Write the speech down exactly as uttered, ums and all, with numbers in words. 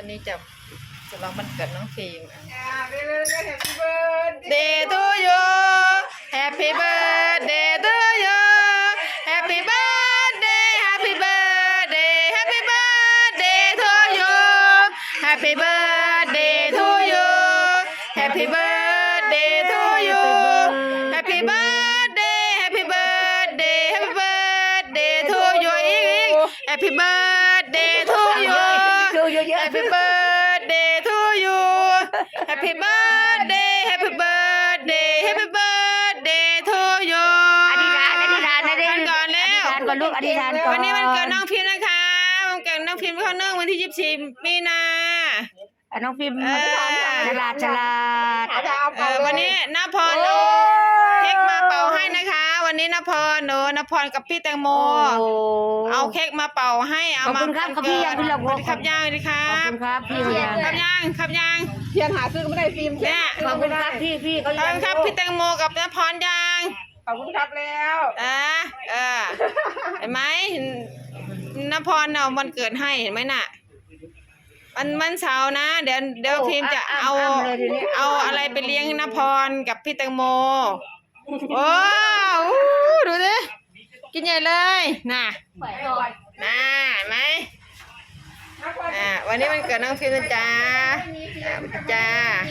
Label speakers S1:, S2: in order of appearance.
S1: วันนี้จะจะลองวันเกิดน้องฟิล์ม
S2: Day
S1: Day to you Happy birthday to you Happy birthday Happy birthday Happy birthday to you Happy birthday to you Happy birthday to you Happy birthday Happy birthday Happy birthday to you อีกอีก Happy birthday to you Happy birthday to you Happy birthday Happy birthday Happy birthday to you
S2: อธิษฐานอธิษฐานนะดิ
S1: วันก่อนแล้ว
S2: อธิษฐานก่อนลูกอธิษฐานก่อน
S1: วันนี้วันเกิดน้องพิมพ์นะคะวันเกิดน้องพิมพ์เข้าเนื่องวันที่ยี่สิบสี่มีนา
S2: อ่ะน้องฟิล์ม
S1: เออ
S2: ฉลาดฉลาด
S1: เออวันนี้นภพรเอาเค้กมาเป่าให้นะคะ วันนี้นภพรหนูนภพรกับพี่แตงโม
S2: โอ้
S1: เอาเค้กมาเป่าให้เอา
S2: ขอบ
S1: มา
S2: คุณครับครับพี่ยังพี่ลำ
S1: สวัสดีครับย่างสวัสดีครั
S2: ขอบบ คุณครับพี่เขายัง
S1: ครับย่างครับย่าง
S3: เทียนหาซื้อไม่ได้ฟิล์ม
S1: เนี่ย
S2: ขอบคุณครับพี่พี่เขา
S1: ขอบ
S2: ยั
S1: คุ
S2: ง
S1: ณครับพี่แตงโมกับนภพรย่าง
S3: ขอบคุณครับแล้ว
S1: อ่าเออเห็นไหมนภพรเอาวันเกิดให้เห็นไหมน่ะวันวันเสาร์นะเดี๋ยวเดี๋ยวพิมพ์จะเอาเอาอะไรไปเลี้ยงนภพรกับพี่แตงโมโอ้อู้ดูดิกินใหญ่เลยน่ะน่ะเห็นไหมอ่าวันนี้วันเกิดน้องพิมพ์นะจ๊ะอ่าจ้า